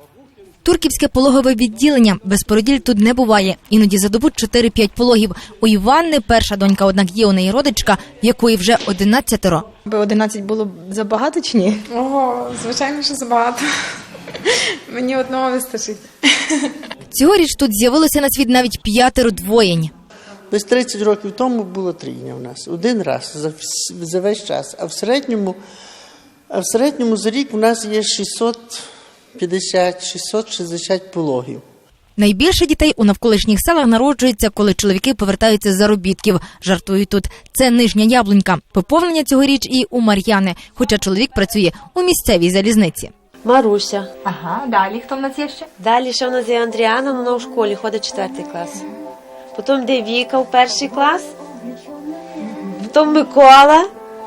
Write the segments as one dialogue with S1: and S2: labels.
S1: Турківське пологове відділення. Без породіль тут не буває. Іноді за добу 4-5 пологів. У Іванни перша донька, однак є у неї родичка, в якої вже 11.
S2: 11 було б забагато чи ні?
S3: Ого, звичайно, що забагато. Мені одного вистачить.
S1: Цьогоріч тут з'явилося на світ навіть 5 двоєнь.
S4: Десь 30 років тому було трійня у нас. Один раз за весь час. А в середньому за рік у нас є 650-660 пологів.
S1: Найбільше дітей у навколишніх селах народжується, коли чоловіки повертаються з заробітків. Жартують тут. Це Нижня Яблунька. Поповнення цьогоріч і у Мар'яни, хоча чоловік працює у місцевій залізниці.
S5: Маруся.
S1: Ага, далі хто в нас є ще?
S5: Далі ще в нас є Андріана, вона у школі ходить 4 клас. Потім йде Віка в 1 клас. Потім Микола.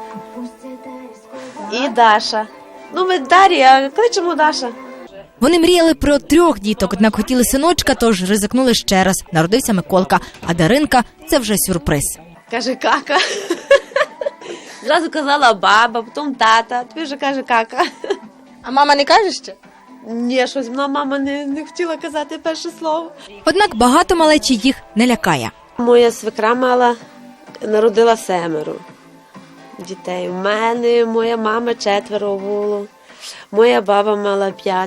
S5: І Даша. Ну, ми Дар'я, кличемо Даша.
S1: Вони мріяли про 3 діток, однак хотіли синочка, тож ризикнули ще раз. Народився Миколка, а Даринка – це вже сюрприз.
S5: Каже кака. Зразу казала баба, потім тата, тобі вже каже кака.
S2: А мама не каже ще?
S5: Ні, щось мама не хотіла казати перше слово.
S1: Однак багато малечі їх не лякає.
S5: Моя свекра народила 7 дітей. У мене моя мама 4 було. Моя баба мала 5.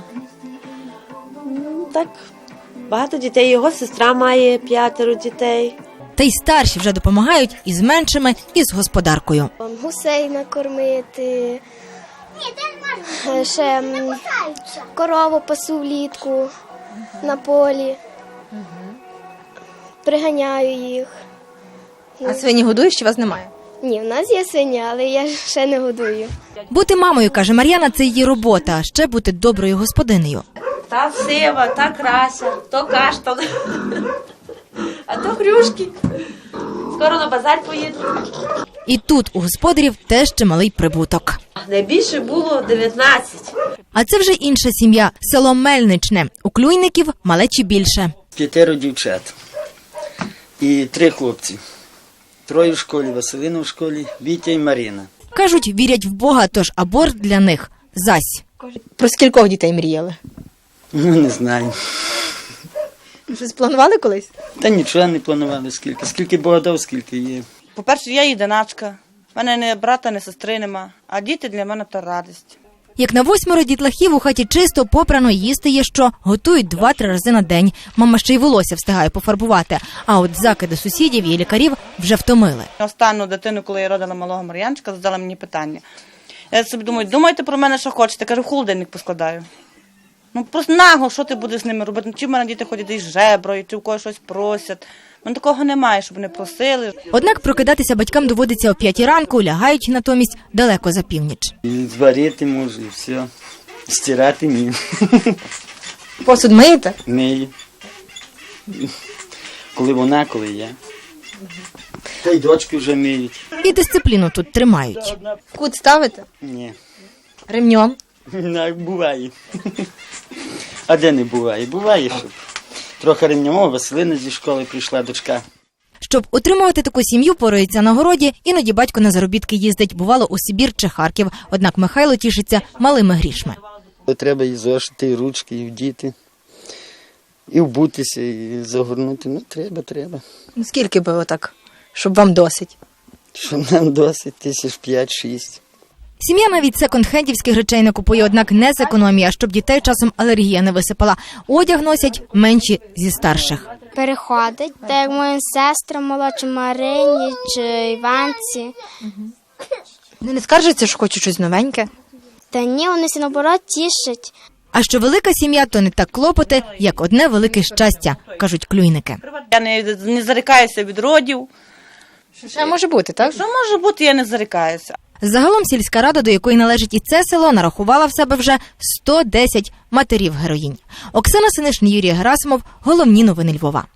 S5: Так, багато дітей. Його сестра має 5 дітей.
S1: Та й старші вже допомагають і з меншими, і з господаркою.
S6: Гусей накормити, ще корову пасу влітку на полі, приганяю їх.
S2: А свині годуєш, чи вас немає?
S6: Ні, в нас є свиня, але я ще не годую.
S1: Бути мамою, каже Мар'яна, це її робота, а ще бути доброю господинею.
S5: Та сива, та крася, то каштан, а то хрюшки. Скоро на базар поїду.
S1: І тут у господарів теж чималий прибуток.
S5: Найбільше було 19.
S1: А це вже інша сім'я – село Мельничне. У Клюйників малечі більше.
S7: 5 дівчат і 3 хлопці. 3 в школі, Василина в школі, Вітя і Марина.
S1: Кажуть, вірять в Бога, тож аборт для них – зась.
S2: Про скількох дітей мріяли?
S7: Ну, не знаю.
S2: Щось планували колись?
S7: Та нічого не планували, скільки Бога дав, скільки є.
S8: По-перше, я єдиначка. У мене ні брата, ні сестри нема. А діти для мене – то радість.
S1: Як на 8 дітлахів у хаті чисто, попрано, їсти є що. Готують 2-3 рази на день. Мама ще й волосся встигає пофарбувати. А от закиди сусідів і лікарів вже втомили.
S8: Останню дитину, коли я родила малого Мар'янчика, задала мені питання. Я собі думаю, думайте про мене, що хочете. Кажу, в холодильник поскладаю. Ну, просто нагло, що ти будеш з ними робити? Чи в мене діти ходять із жеброю, чи в когось щось просять. Ну, такого немає, щоб не просили.
S1: Однак прокидатися батькам доводиться о 5 ранку, лягають натомість далеко за північ.
S7: І зварити можу, і все. Стирати ні.
S2: Посуд миєте?
S7: Мию. Коли вона, коли я. Та й дочки вже миють.
S1: І дисципліну тут тримають.
S2: Кут ставите?
S7: Ні.
S2: Ремнем?
S7: Так, буває. А де не буває? Буває, щоб трохи ремнемо. Василина зі школи прийшла, дочка.
S1: Щоб утримувати таку сім'ю, порується на городі, іноді батько на заробітки їздить, бувало у Сибір чи Харків. Однак Михайло тішиться малими грішми.
S7: Треба і зошити, і ручки, і вдіти, і вбутися, і загорнути. Ну, треба.
S2: Ну, скільки би отак, щоб вам досить?
S7: Щоб нам досить, 5-6.
S1: Сім'я навіть секонд-хендівських речей не купує, однак не з економії, а щоб дітей часом алергія не висипала. Одяг носять менші зі старших.
S6: Переходить, так як моїм сестрам молодшим Марині чи Іванці.
S2: Вони не скаржаться, що хочуть щось новеньке?
S6: Та ні, вони всі наоборот тішать.
S1: А що велика сім'я, то не так клопоти, як одне велике щастя, кажуть клюйники.
S8: Я не зарікаюся від родів.
S2: Ще може бути, так?
S8: Що може бути, я не зарікаюся.
S1: Загалом сільська рада, до якої належить і це село, нарахувала в себе вже 110 матерів-героїнь. Оксана Синишин, Юрій Герасимов. Головні новини Львова.